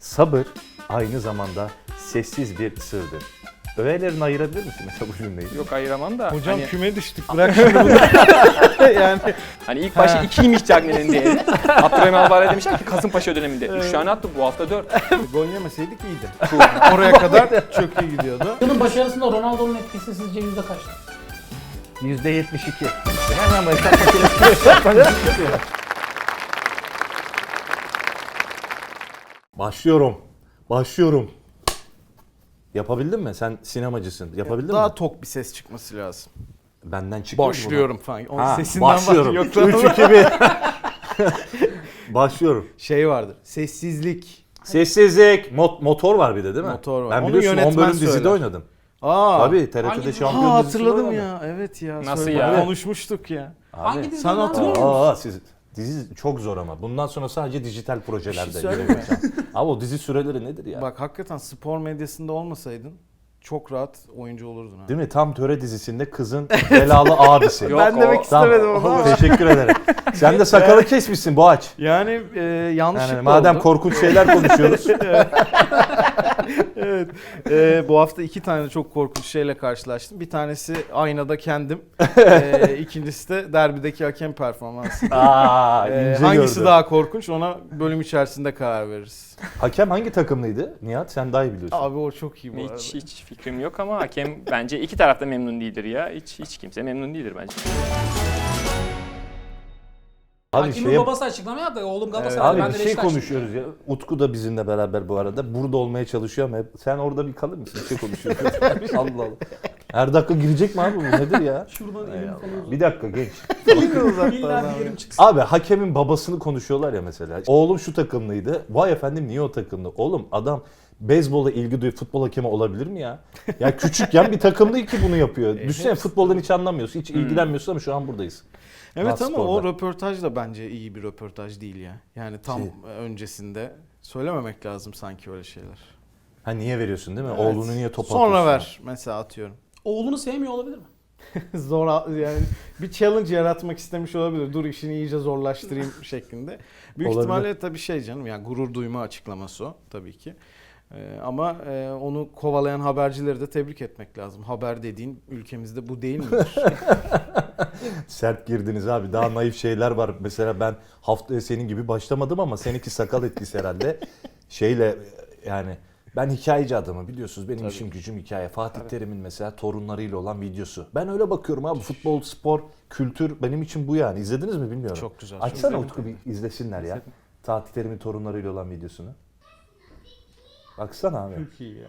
Sabır aynı zamanda sessiz bir sırdır. Öğelerini ayırabilir misin mesela bu cümleyi? Yok ayıramam da. Hocam hani, küme düştük. Bırak şimdi bunu. Yani hani ilk başta 2'ymiş Cagney'in değeri. Abdurrahim Albayrak demişler ki Kasımpaşa döneminde. 3 tane attı, bu hafta 4. gol yemeseydik iyiydi. Oraya kadar çok iyi gidiyordu. Yılın başarısında Ronaldo'nun etkisi sizce yüzde kaçtı? %72. Hemen hesap makinesi. Başlıyorum. Yapabildin mi? Sen sinemacısın. Yapabildin Daha mi? tok bir ses çıkması lazım. Benden çıkıyor mu bu? Başlıyorum falan. Onun Ha, sesinden başlıyorum. Yok, 3, 2, 1. Başlıyorum. şey vardır. Sessizlik. Sessizlik. Motor var bir de değil mi? Motor var. Ben Onu biliyorsun 10 yönetmen bölüm dizide söyler. oynadım. Aa. Tabii TRT'de Hangi- şampiyon Ha, dizisinde hatırladım oynadım. ya. Evet ya. Nasıl söyle. ya? Konuşmuştuk ya. Hangi Abi. dizide Sen hatırlıyor musun? Dizi çok zor ama. Bundan sonra sadece dijital projelerde. Bir şey söyleyeyim mi? Abi o dizi süreleri nedir ya? Bak hakikaten spor medyasında olmasaydın çok rahat oyuncu olurdun ha. Değil mi? Tam Töre dizisinde kızın belalı abisi. Yok, Ben demek o- istemedim onu ama. Teşekkür ederim. Sen de sakalı kesmişsin Boğaç. Yani yanlışlıkla Yani madem oldu. korkunç şeyler konuşuyoruz. Evet. Bu hafta 2 tane çok korkunç şeyle karşılaştım. Bir tanesi aynada kendim. İkincisi de derbideki hakem performansı. Aa, ince Hangisi gördüm. daha korkunç ona bölüm içerisinde karar veririz. Hakem hangi takımlıydı? Nihat sen daha iyi biliyorsun. Abi o çok iyi bu arada. Hiç fikrim yok ama hakem bence iki tarafta memnun değildir ya. Hiç kimse memnun değildir bence. Abi Hakimin babası açıklama yaptı. Oğlum Galatasaray, Abi ben bir de şey Beşiktaş. konuşuyoruz ya. Utku da bizimle beraber bu arada. Burada olmaya çalışıyor ama hep sen orada bir kalır mısın? Bir şey konuşuyoruz. Allah Allah. Her dakika girecek mi abi bu? Nedir ya? Şuradan elim falan. Bir dakika genç. İlla bir yerim çıksın. Abi hakemin babasını konuşuyorlar ya mesela. Oğlum şu takımlıydı. Vay efendim niye o takımlı? Oğlum adam beyzbola ilgi duyup futbol hakemi olabilir mi ya? Ya küçükken bir takımlı ki bunu yapıyor. Düşünsene futboldan hiç anlamıyorsun, hiç ilgilenmiyorsun ama şu an buradayız. Evet ama o Spor'da. röportaj da bence iyi bir röportaj değil ya. Yani tam öncesinde söylememek lazım sanki öyle şeyler. Ha niye veriyorsun değil mi? Evet. Oğlunu niye top atıyorsun? Sonra ver mesela atıyorum. Oğlunu sevmiyor olabilir mi? Zor yani bir challenge yaratmak istemiş olabilir. Dur işini iyice zorlaştırayım şeklinde. Büyük Olabilir. ihtimalle tabii şey canım yani gurur duyma açıklaması o tabii ki. Ama onu kovalayan habercileri de tebrik etmek lazım. Haber dediğin ülkemizde bu değil midir? Sert girdiniz abi. Daha naif şeyler var. Mesela ben haftaya senin gibi başlamadım ama seninki sakal etkisi herhalde. Şeyle yani ben hikayeci adamım biliyorsunuz. Benim işim gücüm hikaye. Fatih Terim'in mesela torunlarıyla olan videosu. Ben öyle bakıyorum abi. Futbol, spor, kültür benim için bu yani. İzlediniz mi bilmiyorum. Çok güzel. Açsana Utku bir izlesinler ya. Fatih Terim'in torunlarıyla olan videosunu. Baksana abi. Çok iyi ya.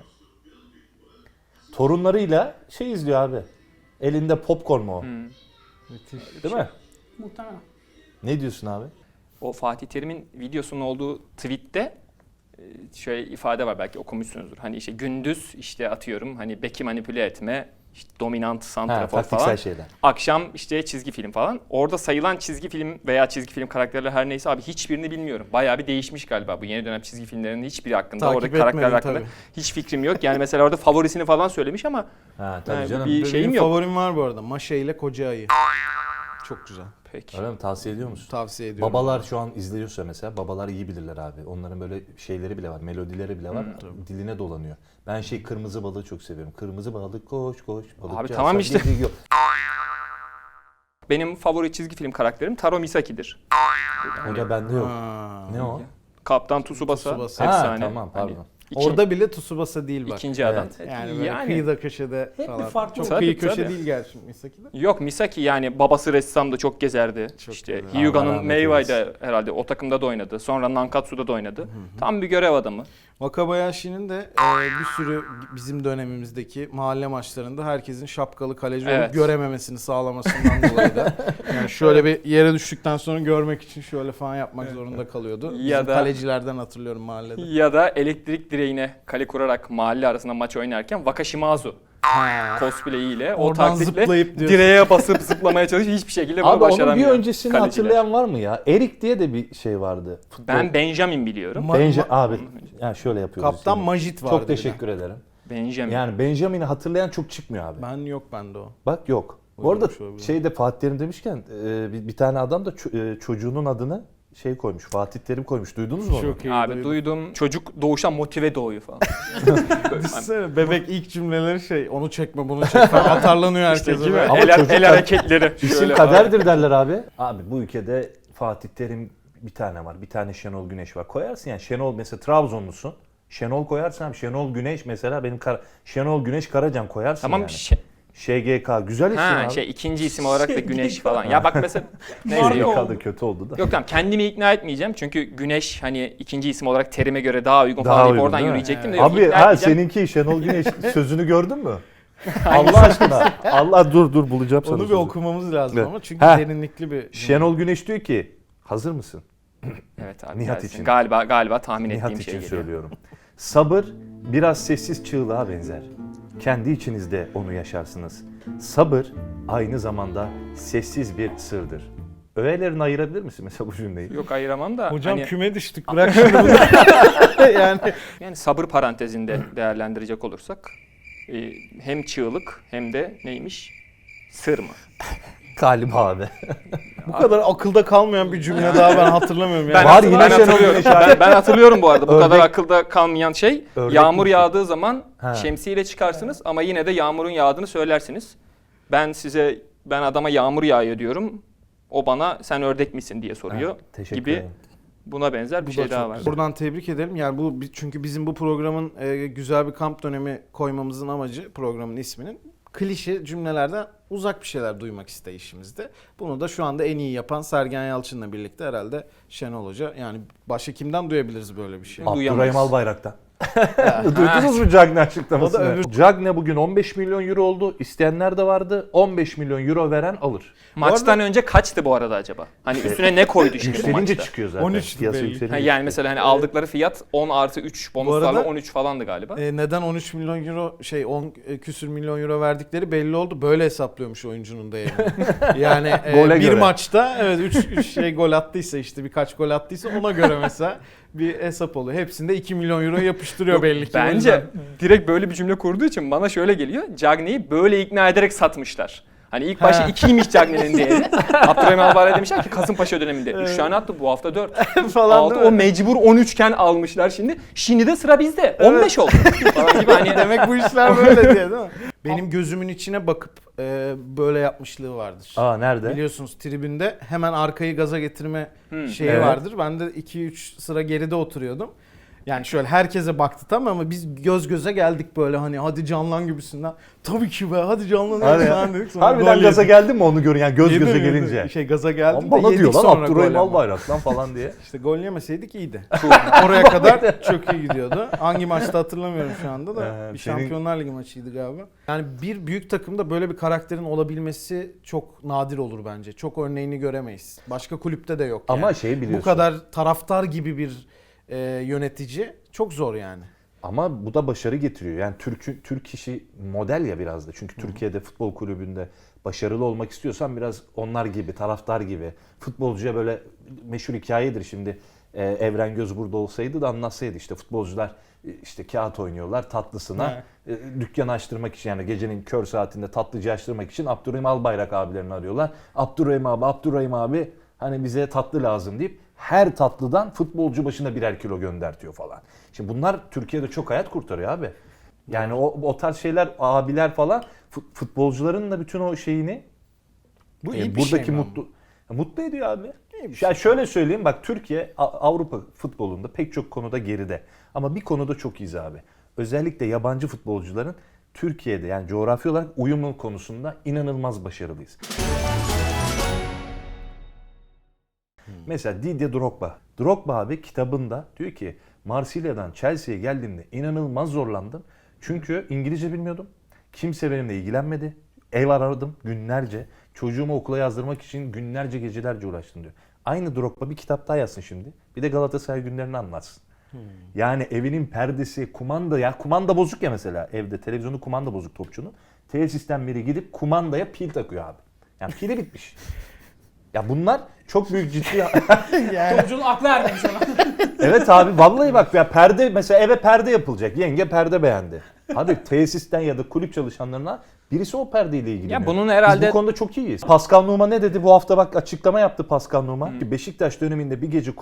Torunlarıyla şey izliyor abi. Elinde popcorn mu o? Müthiş. Değil mi? Muhtemelen. Ne diyorsun abi? O Fatih Terim'in videosunun olduğu tweette şöyle ifade var, belki okumuşsunuzdur. Hani işte gündüz işte atıyorum hani beki manipüle etme, işte dominant santrafor taktiksel falan. şeyler. Akşam işte çizgi film falan. Orada sayılan çizgi film veya çizgi film karakterleri her neyse abi hiçbirini bilmiyorum. Bayağı bir değişmiş galiba bu yeni dönem çizgi filmlerinin hiçbiri hakkında. Takip Oradaki karakterler etmedim hakkında tabii. hiç fikrim yok. Yani mesela orada favorisini falan söylemiş ama Ha tabii yani canım. bir Benim şeyim yok. favorim var bu arada. Maşe ile Koca Ayı. Çok güzel. Peki. Öyle mi? Tavsiye ediyor musun? Tavsiye ediyorum. Babalar şu an izliyorsa mesela babalar iyi bilirler abi. Onların böyle şeyleri bile var, melodileri bile var. Diline dolanıyor. Ben kırmızı balığı çok seviyorum. Kırmızı balık koş koş balıkçı. Abi tamam aslan işte. gidiyor. Benim favori çizgi film karakterim Taro Misaki'dir. O da bende yok. Ha. Ne o? Kaptan Tsubasa. Tsubasa. Efsane. Ha, tamam, pardon. Hani Orada bile Tsubasa değil bak. ikinci adam. Evet. Yani böyle kıyıda köşede Hep bir falan. farklı Çok Tabii, kıyı köşe tabii. değil gerçi Misaki'de. Yok, Misaki yani babası ressamdı, çok gezerdi. Çok işte güzel. Allah Hyuga'nın rahmet Meiwai'de herhalde o takımda da oynadı. Sonra Nankatsu'da da oynadı. Tam bir görev adamı. Wakabayashi'nin de bir sürü bizim dönemimizdeki mahalle maçlarında herkesin şapkalı kaleci olup Evet. görememesini sağlamasından dolayı da yani şöyle bir yere düştükten sonra görmek için şöyle falan yapmak zorunda kalıyordu. Bizim Ya da- kalecilerden hatırlıyorum mahallede. Ya da elektrik direğine kale kurarak mahalle arasında maç oynarken Wakashimazu cosplay'iyle o Oradan taktikle zıplayıp diyorsun. direğe basıp zıplamaya çalışıyor. Hiçbir şekilde bunu Abi onun başaramıyor. bir öncesini kaleciler. hatırlayan var mı ya? Erik diye de bir şey vardı. Futbol. Ben Benjamin biliyorum. Abi yani şöyle yapıyoruz. Kaptan şimdi. Majit vardı. Çok teşekkür ederim. Benjamin. Yani Benjamin'i hatırlayan çok çıkmıyor abi. Ben yok bende o. Bak yok. Bu arada Olabilir. Fatih Terim demişken bir tane adam da çocuğunun adını şey koymuş. Fatih Terim koymuş. Duydunuz mu onu? Çok iyi. Abi duydum. Çocuk doğuşan motive doğuyor falan. Düşünsene, bebek ilk cümleleri şey, onu çekme bunu çekme falan atarlanıyor herkese. İşte gibi. böyle. Ama El, çocuk- el hareketleri. İsim Şöyle kaderdir derler abi. Abi bu ülkede Fatih Terim bir tane var. Bir tane Şenol Güneş var. Koyarsın yani Şenol mesela Trabzonlusun. Şenol koyarsın abi. Şenol Güneş mesela benim Şenol Güneş Karacan koyarsın Tamam yani. şey, Güzel isim abi. ikinci isim olarak da Güneş falan. Ya bak mesela neyse Marka yok. SGK da kötü oldu da. Yok tamam kendimi ikna etmeyeceğim çünkü Güneş hani ikinci isim olarak terime göre daha uygun Daha falan deyip uygun, oradan değil mi? yürüyecektim de yok, Abi ikna ha etmeyeceğim. seninki Şenol Güneş sözünü gördün mü? Allah aşkına. Allah dur bulacağım sana. Onu bir sözü. okumamız lazım Evet. ama çünkü Heh. derinlikli bir... Şenol Güneş diyor ki hazır mısın? Evet abi. Nihat gelsin. için. Galiba tahmin Nihat ettiğim için şey geliyor. söylüyorum. Sabır biraz sessiz çığlığa benzer. Kendi içinizde onu yaşarsınız. Sabır aynı zamanda sessiz bir sırdır. Öğelerini ayırabilir misin mesela bu cümleyi? Yok ayıramam da Hocam hani, küme düştük bırak şunu bunu. yani yani sabır parantezinde değerlendirecek olursak hem çığlık hem de neymiş? Sır mı? Galiba abi. bu kadar akılda kalmayan bir cümle daha ben hatırlamıyorum. Ben, Yani. Var yine Şenol hatırlıyorum. Güneş Ben hatırlıyorum bu arada. Bu Ördek- kadar akılda kalmayan şey. Ördek Yağmur mi? yağdığı zaman Ha. şemsiyeyle çıkarsınız ama yine de yağmurun yağdığını söylersiniz. Ben adama yağmur yağıyor diyorum. O bana sen ördek misin diye soruyor Ha, teşekkür gibi. ederim. Buna benzer bir Bu şey da daha çok var. güzel. Buradan tebrik edelim. Yani bu çünkü bizim bu programın güzel bir kamp dönemi koymamızın amacı, programın isminin klişe cümlelerden uzak bir şeyler duymak isteyişimizde. Bunu da şu anda en iyi yapan Sergen Yalçın'la birlikte herhalde Şenol Hoca. Yani başka kimden duyabiliriz böyle bir şey? Duyamayız. Abdurrahim Albayrak'tan. Duydunuz mu Cagney açıklamasını? O da öbür- Cagney bugün 15 milyon euro oldu. İsteyenler de vardı. 15 milyon euro veren alır. Maçtan önce kaçtı bu arada acaba? Hani üstüne ne koydu şimdi bu Yükselince maçta? çıkıyor zaten. 13 Piyasa belli. yükselince Ha, yani mesela hani aldıkları fiyat 10 artı 3 bonuslarla arada- 13 falandı galiba. Neden 13 milyon euro 10 küsür milyon euro verdikleri belli oldu. Böyle hesaplıyormuş oyuncunun değerini. Yani Gole bir göre. maçta evet 3 şey gol attıysa işte birkaç gol attıysa ona göre mesela bir hesap oluyor. Hepsinde 2 milyon euro yapıştırıyor Yok, belli ki. O Bence yüzden. direkt böyle bir cümle kurduğu için bana şöyle geliyor. Cagney'i böyle ikna ederek satmışlar. Hani ilk başta 2'ymiş Cagney'in değeri. Abdurrahim Albayrak demişler ki Kasımpaşa döneminde 3 tane attı, bu hafta 4. falan 6 değil o mi? mecbur 13 iken almışlar şimdi. Şimdi de sıra bizde. 15 oldu. Falan gibi hani Demek bu işler böyle diye değil mi? Benim gözümün içine bakıp böyle yapmışlığı vardır. Aa nerede? Biliyorsunuz tribünde hemen arkayı gaza getirme şeyi Evet. vardır. Ben de 2-3 sıra geride oturuyordum. Yani şöyle herkese baktı tamam ama biz göz göze geldik böyle hani hadi canlan gibisinden. Tabii ki be hadi canlanıyoruz Hadi. falan dedik. Sonra Harbiden gol gaza yedik. geldin mi onu görün yani göz Yedim, göze yedim. gelince. Şey gaza geldim Bana de yedik diyor lan sonra Abdurrahim gol ama. Albayrak lan falan diye. İşte gol yemeseydik iyiydi. Oraya kadar çok iyi gidiyordu. Hangi maçta hatırlamıyorum şu anda da. Bir senin- Şampiyonlar Ligi maçıydı galiba. Yani bir büyük takımda böyle bir karakterin olabilmesi çok nadir olur bence. Çok örneğini göremeyiz. Başka kulüpte de yok yani. Ama şey biliyorsun. Bu kadar taraftar gibi bir yönetici çok zor yani. Ama bu da başarı getiriyor. Yani Türk işi model ya biraz da. Çünkü Türkiye'de futbol kulübünde başarılı olmak istiyorsan biraz onlar gibi, taraftar gibi. Futbolcuya böyle meşhur hikayedir şimdi. Evren Göz burada olsaydı da anlatsaydı işte futbolcular işte kağıt oynuyorlar tatlısına. Dükkan açtırmak için yani gecenin kör saatinde tatlıcı açtırmak için Abdurrahim Albayrak abilerini arıyorlar. Abdurrahim abi hani bize tatlı lazım deyip her tatlıdan futbolcu başına 1'er kilo göndertiyor falan. Şimdi bunlar Türkiye'de çok hayat kurtarıyor abi. Yani o tarz şeyler abiler falan futbolcuların da bütün o şeyini Bu iyi bir buradaki şey mi mutlu ediyor abi. İyi bir şey. Ya şöyle söyleyeyim bak Türkiye Avrupa futbolunda pek çok konuda geride. Ama bir konuda çok iyiyiz abi. Özellikle yabancı futbolcuların Türkiye'de yani coğrafi olarak uyumu konusunda inanılmaz başarılıyız. Mesela Didier Drogba. Drogba abi kitabında diyor ki Marsilya'dan Chelsea'ye geldiğimde inanılmaz zorlandım. Çünkü İngilizce bilmiyordum. Kimse benimle ilgilenmedi. Ev aradım günlerce. Çocuğumu okula yazdırmak için günlerce gecelerce uğraştım diyor. Aynı Drogba bir kitap daha yazsın şimdi. Bir de Galatasaray günlerini anlatsın. Yani evinin perdesi, kumanda bozuk ya mesela evde televizyonu kumanda bozuk topçunun. Tesisten biri gidip kumandaya pil takıyor abi. Yani pili bitmiş. Ya bunlar çok büyük ciddi. Topçunun aklı ermemiş ona. Evet abi vallahi bak ya perde mesela eve perde yapılacak. Yenge perde beğendi. Hadi tesisten ya da kulüp çalışanlarına Birisi o perdeyle ilgileniyor. Ya bunun herhalde- Biz bu konuda çok iyiyiz. Pascal Nouma ne dedi? Bu hafta bak açıklama yaptı Pascal Nouma. Ki Beşiktaş döneminde bir gece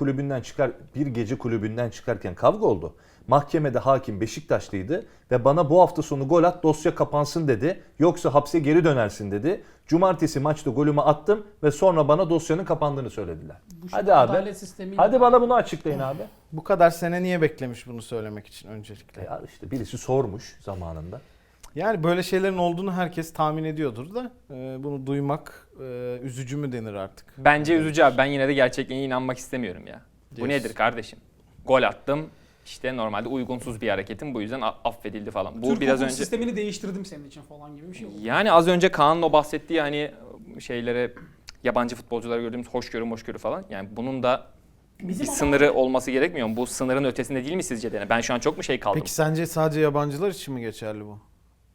kulübünden çıkarken kavga oldu. Mahkemede hakim Beşiktaşlıydı ve bana bu hafta sonu gol at dosya kapansın dedi. Yoksa hapse geri dönersin dedi. Cumartesi maçta golümü attım ve sonra bana dosyanın kapandığını söylediler. Bu Hadi şimdi abi. adalet sistemiyle- Hadi bana bunu açıklayın abi. Bu kadar sene niye beklemiş bunu söylemek için öncelikle? Ya işte birisi sormuş zamanında. Yani böyle şeylerin olduğunu herkes tahmin ediyordur da bunu duymak üzücü mü denir artık? Bence üzücü abi. Ben yine de gerçekliğine inanmak istemiyorum ya. Bu Diyorsun. nedir kardeşim? Gol attım. İşte normalde uygunsuz bir hareketim. Bu yüzden affedildi falan. Bu Türk biraz hukuk önce... sistemini değiştirdim senin için falan gibi bir şey oldu. Yani az önce Kaan'ın o bahsettiği hani şeylere yabancı futbolculara gördüğümüz hoşgörü falan. Yani bunun da Bizim bir ama- sınırı olması gerekmiyor mu? Bu sınırın ötesinde değil mi sizce de? Ben şu an çok mu şey kaldım? Peki sence sadece yabancılar için mi geçerli bu?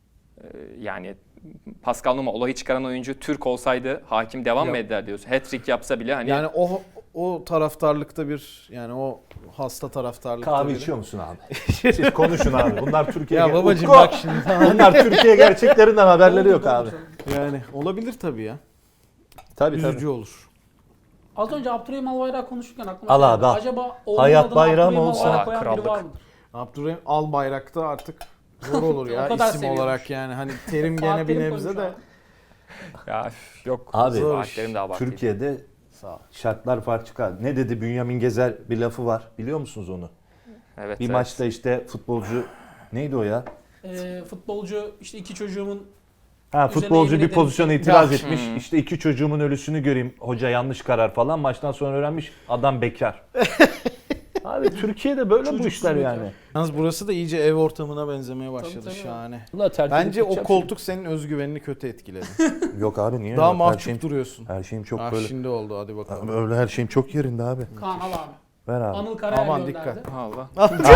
Yani Pascal Nouma olayı çıkaran oyuncu Türk olsaydı hakim devam Ya- mı eder diyorsun? Hat-trick yapsa bile hani Yani o taraftarlıkta bir yani o hasta taraftarlıkta Kahve biri. içiyor musun abi? Siz konuşun abi. Bunlar Türkiye. Ya babacım Utku! bak şimdi. Bunlar Türkiye gerçeklerinden haberleri yok abi. Yani olabilir tabii ya. Tabii Üzücü olur. Az önce Abdurrahim Albayrak konuşurken aklıma Al geldi. abi, al. Acaba oğlunun Hayat adını bayram Abdurrahim olsa- Albayrak koyan biri krallık. var mıdır? Abdurrahim Albayrak'ta artık zor olur O ya kadar isim seviyormuş. olarak yani. Hani terim gene Fatih bir Terim nebze koymuş de. abi. ya üf, yok. Abi, Saatlerim daha abartıydı. Türkiye'de şartlar farklı. Ne dedi Bünyamin Gezer bir lafı var. Biliyor musunuz onu? Evet, Bir evet. maçta işte futbolcu neydi o ya? Futbolcu işte iki çocuğumun Futbolcu yemin bir pozisyona ederim ki- itiraz Ya. etmiş. İşte iki çocuğumun ölüsünü göreyim. Hoca yanlış karar falan. Maçtan sonra öğrenmiş adam bekar. Abi Türkiye'de böyle bu Çocuksuz işler bekar. yani. Yalnız burası da iyice ev ortamına benzemeye başladı tabii. şahane. Ulan terk Bence edip o gideceğim koltuk senin özgüvenini kötü etkiledi. şimdi. Yok abi niye? Daha Yok, mahcup duruyorsun. her şeyim çok Ah böyle. şimdi oldu hadi bakalım. Öyle her şeyim çok yerinde abi. Kaan al abi. Ver abi. Anıl Karayel Aman gönderdi. dikkat. Allah.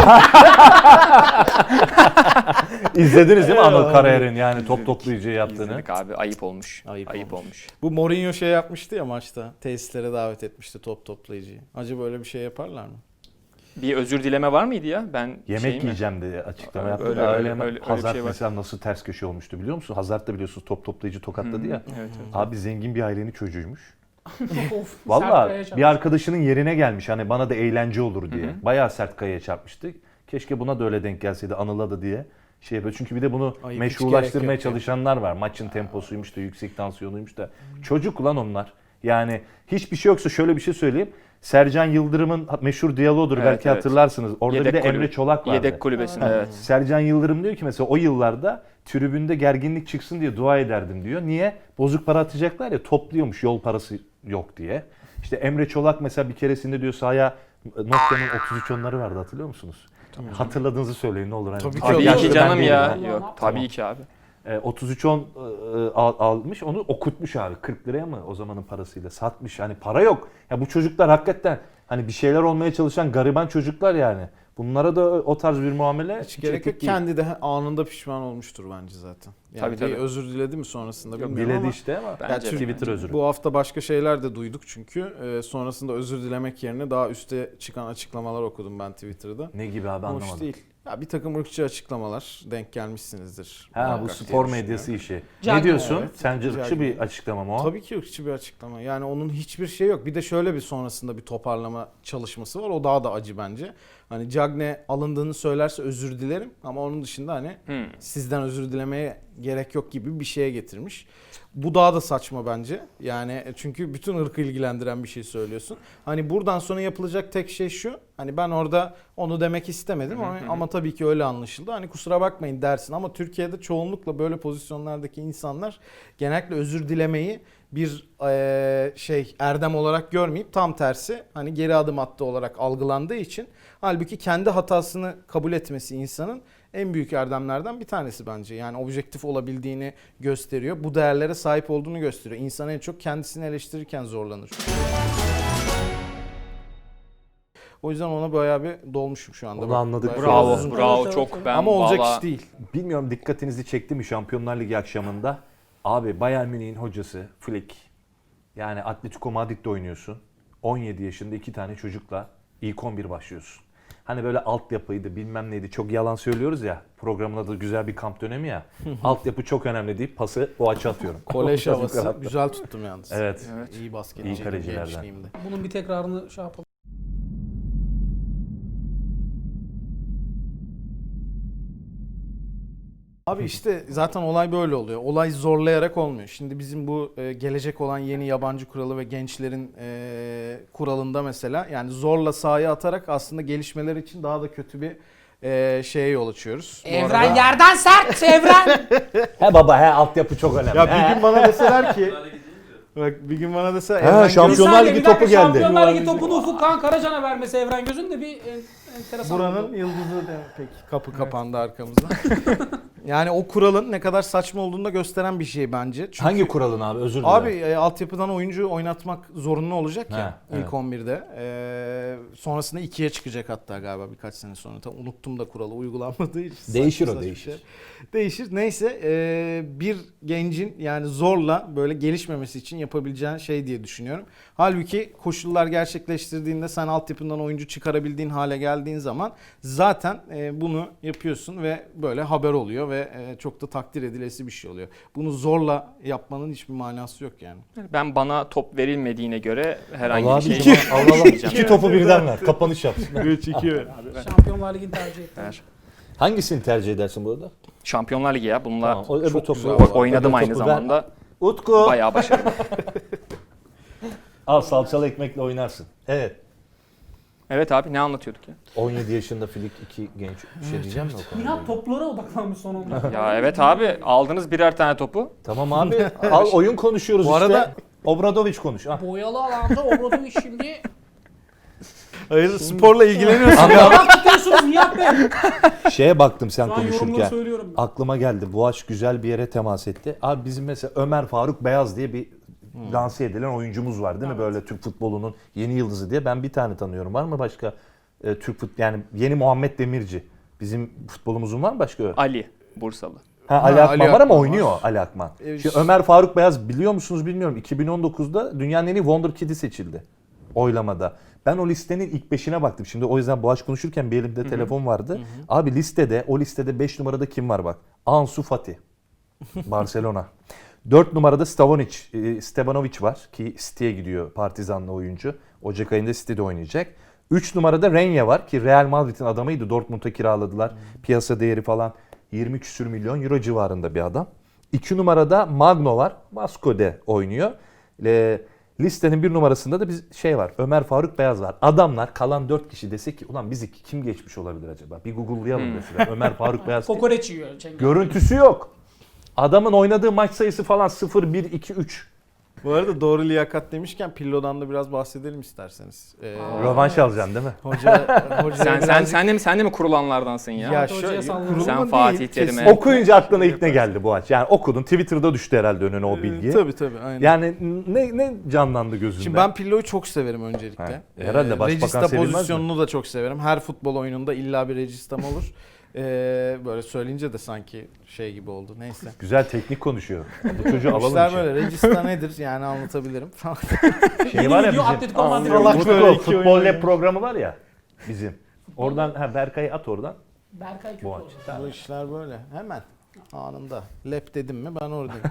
İzlediniz değil mi Anıl Evet. Karayer'in yani top toplayıcı yaptığını? İzledik abi. Ayıp olmuş. Ayıp olmuş. Bu Mourinho şey yapmıştı ya maçta. Tesislere davet etmişti top toplayıcıyı. Acaba öyle bir şey yaparlar mı? Bir özür dileme var mıydı ya? Ben Yemek yiyeceğim diye açıklama yaptı. Öyle, da öyle, öyle hemen öyle bir Hazard şey var. mesela nasıl ters köşe olmuştu biliyor musun? Hazard da biliyorsunuz top toplayıcı tokatladı ya. Evet, evet. Abi zengin bir ailenin çocuğuymuş. Of, Valla Serkaya'ya bir çarptı. arkadaşının yerine gelmiş hani bana da eğlence olur diye. Hı hı. Bayağı sert kayaya çarpmıştık. Keşke buna da öyle denk gelseydi Anıl'a da diye. Şey yapıyor. Çünkü bir de bunu Ayıp, hiç meşrulaştırmaya gerek yok ya. çalışanlar var. Maçın temposuymuş da yüksek tansiyonuymuş da. Çocuk lan onlar. Yani hiçbir şey yoksa şöyle bir şey söyleyeyim. Sercan Yıldırım'ın meşhur diyaloğudur Evet, belki evet. hatırlarsınız. Orada bir de Yedek kulübü- Emre Çolak vardı. Yedek kulübesinde evet. Sercan Yıldırım diyor ki mesela o yıllarda tribünde gerginlik çıksın diye dua ederdim diyor. Niye? Bozuk para atacaklar ya topluyormuş yol parası yok diye. İşte Emre Çolak mesela bir keresinde diyor sahaya Nokia'nın 33 onları vardı hatırlıyor musunuz? Hatırladığınızı söyleyin ne olur. Hani Tabii ki Tabii Yaşlı ki ben canım değilim ya. ya. Yok Tamam. tabii ki abi. 33-10 almış onu okutmuş abi 40 liraya mı o zamanın parasıyla satmış hani para yok. Ya bu çocuklar hakikaten hani bir şeyler olmaya çalışan gariban çocuklar yani. Bunlara da o tarz bir muamele Hiç gerek etik yok. değil. Kendi de anında pişman olmuştur bence zaten. Yani Tabii, tabii. bir özür diledi mi sonrasında Yok, bilmiyorum Diledi ama işte ama Bence de. Twitter özürü. bu hafta başka şeyler de duyduk çünkü. Sonrasında özür dilemek yerine daha üste çıkan açıklamalar okudum ben Twitter'da. Ne gibi abi Hoş anlamadım. değil. Ya bir takım ırkçı açıklamalar denk gelmişsinizdir. Ha bu Muhakkak spor diye medyası düşünüyorum. işi. Ne diyorsun? Evet. Sence ırkçı Cagney. bir açıklama mı o? Tabii ki ırkçı bir açıklama. Yani onun hiçbir şey yok. Bir de şöyle bir sonrasında bir toparlama çalışması var. O daha da acı bence. Hani Cagney alındığını söylerse özür dilerim ama onun dışında hani sizden özür dilemeye gerek yok gibi bir şeye getirmiş. Bu daha da saçma bence. Yani çünkü bütün ırkı ilgilendiren bir şey söylüyorsun. Hani buradan sonra yapılacak tek şey şu. Hani ben orada onu demek istemedim ama tabii ki öyle anlaşıldı. Hani kusura bakmayın dersin ama Türkiye'de çoğunlukla böyle pozisyonlardaki insanlar genellikle özür dilemeyi bir erdem olarak görmeyip tam tersi hani geri adım attı olarak algılandığı için halbuki kendi hatasını kabul etmesi insanın en büyük erdemlerden bir tanesi bence. Yani objektif olabildiğini gösteriyor. Bu değerlere sahip olduğunu gösteriyor. İnsan en çok kendisini eleştirirken zorlanır. O yüzden ona bayağı bir dolmuşum şu anda. Onu anladık. Bayağı Bravo, uzun- bravo Evet, çok. evet. Ben Ama olacak vallahi- iş değil. Bilmiyorum dikkatinizi çekti mi Şampiyonlar Ligi akşamında? Abi Bayern Münih'in hocası Flick. Yani Atletico Madrid'de oynuyorsun. 17 yaşında 2 tane çocukla ilk 11 başlıyorsun. Hani böyle altyapıydı bilmem neydi çok yalan söylüyoruz ya. Programın adı güzel bir kamp dönemi ya. Altyapı çok önemli deyip pası Boğaç'a atıyorum. Kolej Biraz havası. yukarı attı. Güzel tuttum yalnız. Evet. Evet. İyi basketçiydim İyi kalecilerden. gençliğimde. Bunun bir tekrarını şey yapalım. Abi işte zaten olay böyle oluyor. Olay zorlayarak olmuyor. Şimdi bizim bu gelecek olan yeni yabancı kuralı ve gençlerin kuralında mesela yani zorla sahaya atarak aslında gelişmeler için daha da kötü bir şeye yol açıyoruz. Bu Evren arada- yerden sert evren. He baba he altyapı çok önemli. Ya He. bir gün bana deseler ki bak bir gün bana dese Ha, Evren Şampiyonlar Göz- Ligi topu geldi. Şampiyonlar Ligi topunu Ufuk Kağan Karacan'a vermesi Evren Göz'ün de bir enteresan. buranın oldu. yıldızı de peki kapı kapandı arkamızda. Yani o kuralın ne kadar saçma olduğunu da gösteren bir şey bence. Çünkü Hangi kuralın abi özür dilerim. abi altyapıdan oyuncu oynatmak zorunlu olacak ya Ha, ilk evet. 11'de. Sonrasında 2'ye çıkacak hatta galiba birkaç sene sonra. Tam unuttum da kuralı uygulanmadığı için. Değişir Saçma o, saçma değişir. şey. Değişir. Neyse bir gencin yani zorla böyle gelişmemesi için yapabileceğin şey diye düşünüyorum. Halbuki koşullar gerçekleştirdiğinde sen altyapından oyuncu çıkarabildiğin hale geldiğin zaman zaten bunu yapıyorsun ve böyle haber oluyor ve çok da takdir edilesi bir şey oluyor. Bunu zorla yapmanın hiçbir manası yok yani. Ben bana top verilmediğine göre herhangi Allah bir şey abi Allah yapmayacağım. iki topu birden ver. Kapanış yap. 3-2 Şampiyonlar Ligi'ni tercih etti. Ver. Hangisini tercih edersin burada? Şampiyonlar Ligi ya. Bununla Tamam, o öbür çok topu güzel ver. oynadım Öbür aynı topu ver. zamanda. Utku. Bayağı başarılı. Al salçalı ekmekle oynarsın. Evet. Evet abi ne anlatıyorduk ya? 17 yaşında Filik 2 genç bir şey diyeceğim mi o konuda? Nihat toplara odaklanmış son 10 dakika. Ya evet abi aldınız birer tane topu. Tamam abi. Al oyun konuşuyoruz Bu işte. arada- Obradoviç konuş. Ah. Boyalı alanda Obradoviç şimdi. Hayır sporla ilgileniyorsun ya. Taraf tutuyorsunuz Nihat Bey. Şeye baktım sen Şu an yorumları konuşurken. söylüyorum. Aklıma geldi. Boğaç güzel bir yere temas etti. Abi bizim mesela Ömer Faruk Beyaz diye bir lanse edilen oyuncumuz var değil mi? Böyle Türk futbolunun yeni yıldızı diye. Ben bir tane tanıyorum. Var mı başka Türk yani yeni Muhammed Demirci. Bizim futbolumuzun var mı başka? Ali Bursalı. Ali Akman Ali var ama Akman oynuyor var. Ali Akman. Evet. Şimdi Ömer Faruk Beyaz biliyor musunuz bilmiyorum. 2019'da dünyanın en iyi Wonder Kid'i seçildi. Oylamada. Ben o listenin ilk 5'ine baktım. Şimdi o yüzden Boğaç konuşurken bir elimde telefon vardı. Abi o listede 5 numarada kim var bak? Ansu Fati. Barcelona. 4 numarada Stevanovic var ki City'ye gidiyor, Partizanlı oyuncu. Ocak ayında City'de oynayacak. 3 numarada Renye var ki Real Madrid'in adamıydı. Dortmund'a kiraladılar. Piyasa değeri falan 20 küsür milyon euro civarında bir adam. 2 numarada Magno var. Vasco'de oynuyor. Listenin 1 numarasında da var. Ömer Faruk Beyaz var. Adamlar kalan 4 kişi desek ki ulan bizi kim geçmiş olabilir acaba? Bir Google'layalım mesela. Ömer Faruk Beyaz. Kokoreç yiyor. Cengiz. Görüntüsü yok. Adamın oynadığı maç sayısı falan 0, 1, 2, 3. Bu arada doğru liyakat demişken Pillo'dan da biraz bahsedelim isterseniz. Rövanş alacaksın değil mi? Sen de mi kurulanlardansın ya? Ya Hocaya şöyle sallıyorum. kurulumu Sen değil, Fatih Terim'e- kesinlikle. Okuyunca aklına ilk ne geldi bu aç? Yani okudun. Twitter'da düştü herhalde önüne o bilgi. Tabii aynen. Yani ne canlandı gözünde? Şimdi ben Pillo'yu çok severim öncelikle. Ha, herhalde başbakan Regista sevilmez mi? pozisyonunu da çok severim. Her futbol oyununda illa bir registam olur. Böyle söyleyince de sanki şey gibi oldu. Neyse. Güzel teknik konuşuyor. Bu çocuğu alalım İşler işe. böyle. Regista nedir yani anlatabilirim. Şey var ya Video bizim Atletico Madrid. Allah Utku, böyle iki Futbol oyun Lab programı var ya bizim. Oradan Berkay'ı at oradan. Berkay kötü Boğaç. oldu. Bu işler böyle. Hemen anında. Lep dedim mi ben oradayım.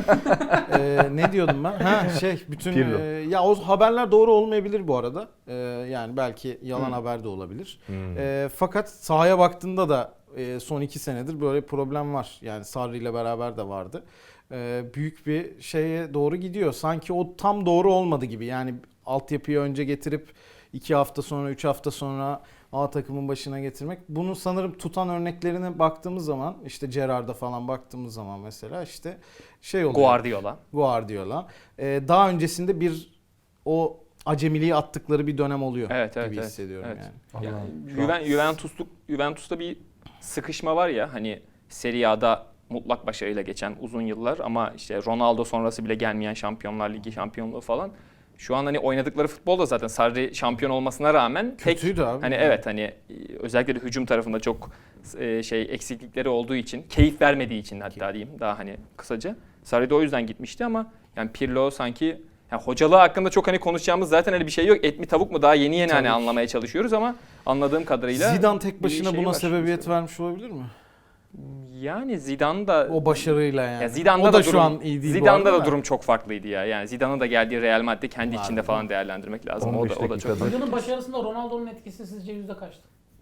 Ne diyordum ben? Bütün Pirlo. ya o haberler doğru olmayabilir bu arada. Yani belki yalan haber de olabilir. Fakat sahaya baktığında da son 2 senedir böyle problem var. Yani Sarri ile beraber de vardı. Büyük bir şeye doğru gidiyor. Sanki o tam doğru olmadı gibi. Yani altyapıyı önce getirip 2 hafta sonra 3 hafta sonra A takımın başına getirmek. Bunu sanırım tutan örneklerine baktığımız zaman işte Gerrard'a falan baktığımız zaman mesela işte şey oluyor. Guardiola. Daha öncesinde o acemiliği attıkları bir dönem oluyor gibi hissediyorum evet. yani. Yani Juventus'ta bir sıkışma var ya hani Serie A'da mutlak başarıyla geçen uzun yıllar ama işte Ronaldo sonrası bile gelmeyen Şampiyonlar Ligi şampiyonluğu falan. Şu an hani oynadıkları futbol da zaten Sarri şampiyon olmasına rağmen Kötüydü abi. hani evet hani özellikle de hücum tarafında çok eksiklikleri olduğu için, keyif vermediği için hatta diyeyim daha hani kısaca. Sarri de o yüzden gitmişti ama yani Pirlo sanki Yani hocalığı hakkında çok hani konuşacağımız zaten öyle bir şey yok. Et mi tavuk mu daha yeni yeni hani Tabii ki. anlamaya çalışıyoruz ama anladığım kadarıyla Zidane tek bir başına şey buna var. sebebiyet vermiş olabilir mi? Yani Zidane da O başarıyla yani. ya Zidane'da o da da şu durum, an iyi değil bu Zidane'da arada da durum çok farklıydı ya. Yani Zidane'ın da geldiği Real Madrid kendi içinde Abi. falan değerlendirmek lazım. O 15 da çok dakikada. Hocanın başarısında Ronaldo'nun etkisi sizce yüzde kaçtı?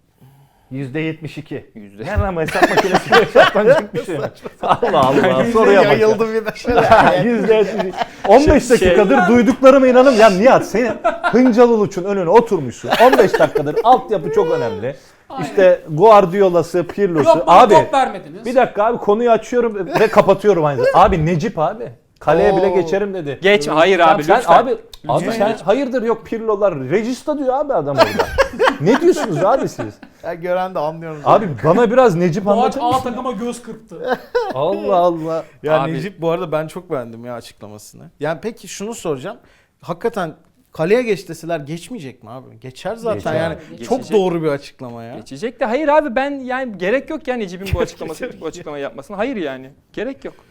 %72. Yüzde. Yani ama hesap makinesiyle hesaplanacak bir şey. Allah Allah. Soruya bak. ya. Yayıldı bir de. %72. 15 dakikadır duyduklarıma inanın. Ya Nihat senin Hıncal Uluç'un önüne oturmuşsun. 15 dakikadır altyapı çok önemli. Aynen. İşte Guardiola'sı, Pirlo'su. Yok bana Abi top vermediniz. bir dakika abi konuyu açıyorum ve kapatıyorum aynı zamanda. Abi Necip abi. Kaleye bile Oo. geçerim dedi. Geçme. Hayır abi Sen lütfen. abi sen hayırdır yok Pirlo'lar. Regista diyor abi adam orada. Ne diyorsunuz abi siz? Ya gören de anlıyorum. Abi bana biraz Necip Boğaç anlatır A mısın? takıma göz kırptı. Allah Allah. Ya Abi- Necip bu arada ben çok beğendim ya açıklamasını. Yani peki şunu soracağım. Hakikaten kaleye geç deseler geçmeyecek mi abi? Geçer zaten Geçer. yani. Geçecek. Çok doğru bir açıklama ya. Geçecek de hayır abi ben yani gerek yok yani Necip'in bu açıklamayı yapmasına. Hayır yani. Gerek yok.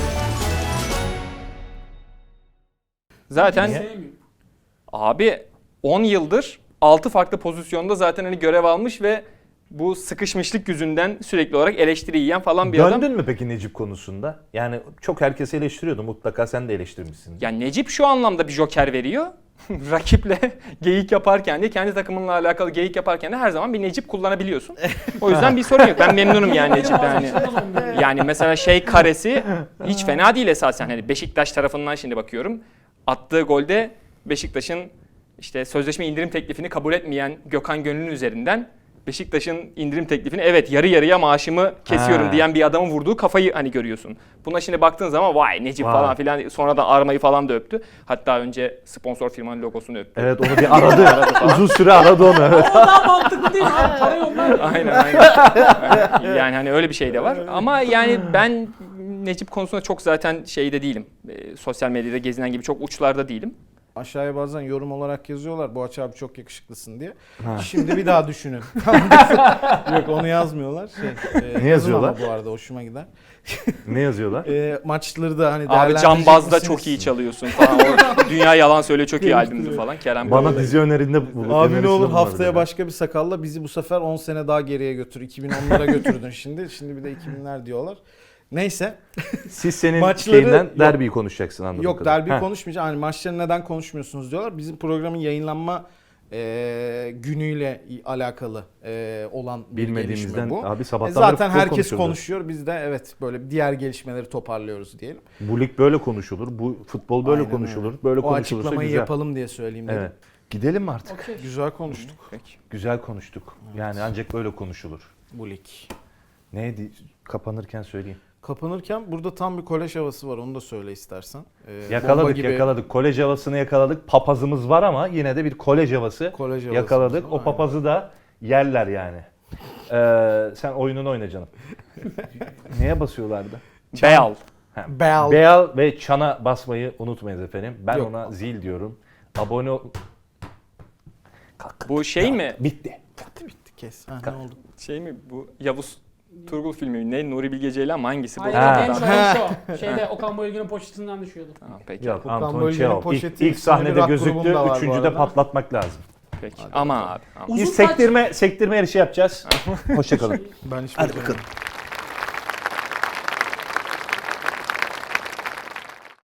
Zaten Sevmiyorum. abi 10 yıldır 6 farklı pozisyonda zaten hani görev almış ve bu sıkışmışlık yüzünden sürekli olarak eleştiri yiyen falan bir adam. Döndün mü peki Necip konusunda? Yani çok herkes eleştiriyordu. Mutlaka sen de eleştirmişsin. Yani Necip şu anlamda bir joker veriyor. Rakiple geyik yaparken de kendi takımınla alakalı geyik yaparken de her zaman bir Necip kullanabiliyorsun. O yüzden bir sorun yok. Ben memnunum yani Necip'ten. Hani. Yani mesela şey karesi hiç fena değil esasen. Hani Beşiktaş tarafından şimdi bakıyorum. Attığı golde Beşiktaş'ın işte sözleşme indirim teklifini kabul etmeyen Gökhan Gönül'ün üzerinden Beşiktaş'ın indirim teklifini evet yarı yarıya maaşımı kesiyorum Ha. diyen bir adamın vurduğu kafayı hani görüyorsun. Buna şimdi baktığın zaman vay Necip Vay. falan filan sonradan armayı falan da öptü. Hatta önce sponsor firmanın logosunu öptü. Evet onu bir aradı. Uzun süre aradı onu evet. O daha mantıklı değil mi abi? Para yollar. Aynen. Yani hani öyle bir şey de var. Ama yani ben Necip konusunda çok zaten şeyde değilim. Sosyal medyada gezinen gibi çok uçlarda değilim. Aşağıya bazen yorum olarak yazıyorlar. Boğaç abi çok yakışıklısın diye. Ha. Şimdi bir daha düşünün. Yok onu yazmıyorlar. Ne yazıyorlar? Ama bu arada hoşuma gider. Ne yazıyorlar? Maçları da hani Abi değerlendirecek Cambaz'da misiniz? çok iyi çalıyorsun falan. O Dünya Yalan Söyle çok iyi albümdü falan. Kerem Bana Bey. dizi önerinde bulup Abi ne önerisinde olur bulunmadı haftaya ya. başka bir sakalla bizi bu sefer 10 sene daha geriye götür. 2010'lara götürdün şimdi. Şimdi bir de 2000'ler diyorlar. Neyse. Siz senin Maçları- şeyinden yok. derbiyi konuşacaksın anladığım Yok kadarıyla. derbi konuşmayacağım. Hani maçları neden konuşmuyorsunuz diyorlar. Bizim programın yayınlanma günüyle alakalı olan bir Bilmediğimizden gelişme bu. abi sabahtan Zaten beri futbol herkes konuşuyordu. konuşuyor. Biz de evet böyle diğer gelişmeleri toparlıyoruz diyelim. Bu lig böyle konuşulur. Bu futbol böyle Aynen konuşulur. öyle. Böyle O konuşulursa açıklamayı güzel. yapalım diye söyleyeyim dedim. Evet. Gidelim mi artık? Okey. Güzel konuştuk Peki. Güzel konuştuk. Yani ancak böyle konuşulur. bu lig. Neydi? Kapanırken söyleyeyim. Kapanırken burada tam bir kolej havası var. Onu da söyle istersen. Bomba Yakaladık gibi yakaladık. Kolej havasını yakaladık. Papazımız var ama yine de bir kolej havası kolej havası. yakaladık. O Aynen. papazı da yerler yani. Sen oyununu oyna canım. Neye basıyorlardı? Beyal. Bell. Beal ve çana basmayı unutmayınız efendim. Ben Yok. ona zil diyorum. Abone ol... Bu şey mi? Bitti. Bitti kes. Ha, ne oldu? Şey mi bu Yavuz Turgul filmi mi? Ne? Nuri Bilge Ceylan mı? Hangisi bu? Hayır Ha. en son şu. Şeyde Okan Bayülgen'in poşetinden düşüyordu. Tamam, peki. Yok Okan Anton Bölge'nin Çehov. poşeti İlk isimli bir sahnede rock gözüktü. grubum da var bu Üçüncüde arada. Peki. patlatmak lazım. Ama abi. Ama. Uzun Biz saç- sektirme yarışı yapacağız. Hoşçakalın. Ben hiç Hadi bilmiyorum. bakalım.